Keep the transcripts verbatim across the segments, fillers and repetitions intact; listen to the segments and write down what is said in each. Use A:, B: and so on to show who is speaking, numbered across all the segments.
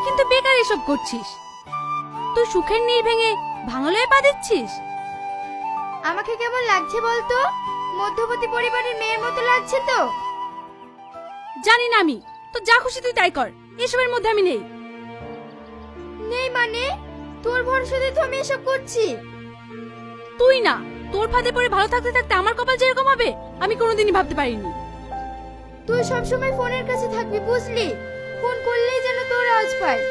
A: কিন্তু বেকার এসব করছিস। তুই সুখের নীড় ভেঙে ভাঙালয়ে পা দিচ্ছিস।
B: আমাকে কেমন লাগছে বলতো? মধ্যবর্তী পরিবারের মেয়ের মতো লাগছে তো?
A: জানি না আমি, তো যা খুশি তুই তাই কর, এসবের মধ্যে আমি নেই।
B: নেই মানে? তোর ভরসাতে তো আমি এসব করছি।
A: তুই না, তোর ফাঁদে পড়ে ভালো থাকতে থাকতে আমার কপাল যেরকম হবে আমি কোনোদিনই ভাবতে পারিনি।
B: তুই সব সময় ফোনের কাছে থাকবি, বুঝলি? ফোন করলেই যেন তোর আওয়াজ পায়।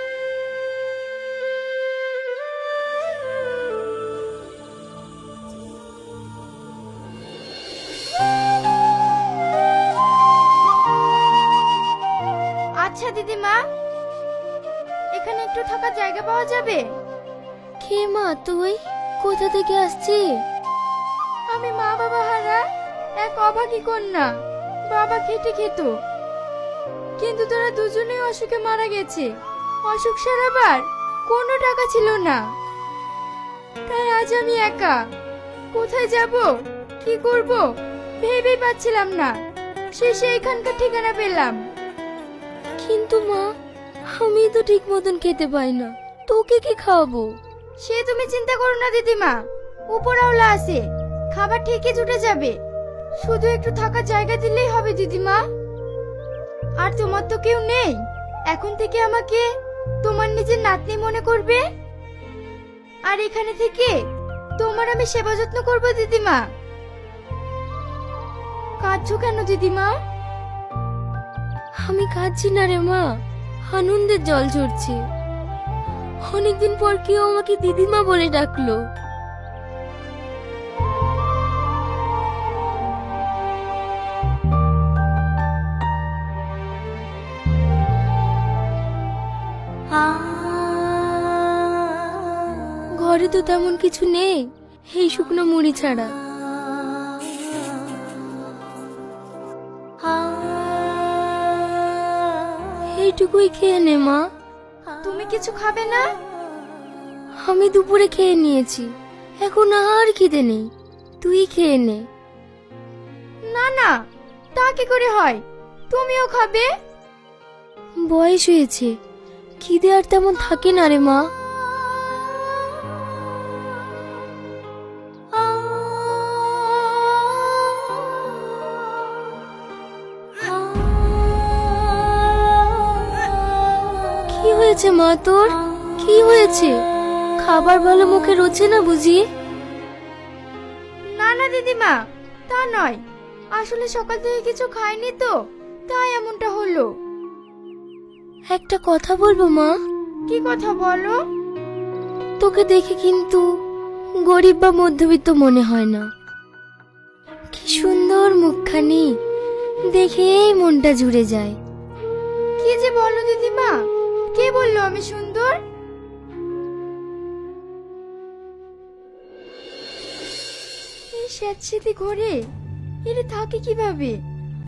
B: আচ্ছা দিদিমা, এখানে একটু থাকার জায়গা পাওয়া যাবে?
C: কে মা তুই? কোথা থেকে আসছিস?
B: আমি মা বাবা হারা এক অভাগী কন্যা। বাবা খেটে খেত, কিন্তু তারা দুজনেই অসুখে মারা গেছে। অসুখ সারাবার কোনো টাকা ছিল না, তাই আজ আমি একা। কোথায় যাব, কি করব ভেবেই পাচ্ছিলাম না। শেষে এখানকার ঠিকানা পেলাম।
C: কিন্তু মা, আমি তো ঠিক মতন খেতে পাই না, তোকে কি খাওয়াবো?
B: সে তুমি চিন্তা করো না দিদিমা, উপরওয়ালা আছে, খাবার ঠিকই জুটে যাবে। শুধু একটু থাকার জায়গা দিলেই হবে দিদিমা। আর তোমার তো কেউ নেই, এখন থেকে আমাকে তোমার নিজের নাতনি মনে করবে। আর এখানে থেকে তোমার আমি সেবা যত্ন করবো দিদিমা। কাঁদছো কেন দিদিমা?
C: আমি কাঁদছি না রে মা, আনন্দের জল ঝরছে। অনেকদিন পর কেউ আমাকে দিদিমা বলে ডাকলো। ঘরে তো তেমন কিছু নেই, এই শুকনো মুড়ি ছাড়া। এইটুকুই খেয়ে নে মা।
B: তুমি কিছু খাবে না?
C: আমি দুপুরে খেয়ে নিয়েছি, এখন আর খিদে নেই, তুই খেয়ে নে।
B: না না, তা কি করে হয়? তুমিও খাবে?
C: বয়স হয়েছে, খিদে আর তেমন থাকে না রে মা। কি হয়েছে মা তোর? কি হয়েছে? খাবার ভালো মুখে রোচে না বুঝি?
B: না না দিদিমা, তা নয়। আসলে সকাল থেকে কিছু খাইনি তো, তাই এমনটা হলো।
C: একটা কথা বলবো মা?
B: কি কথা বলো?
C: তোকে দেখে কিন্তু গরিব বা মধ্যবিত্ত মনে হয় না। কি সুন্দর মুখখানি, দেখেই মনটা জুড়ে যায়।
B: কি যে বলো দিদিমা, কে বললো আমি সুন্দর? এই স্যাঁতসেঁতে ঘরে এরা থাকে কিভাবে?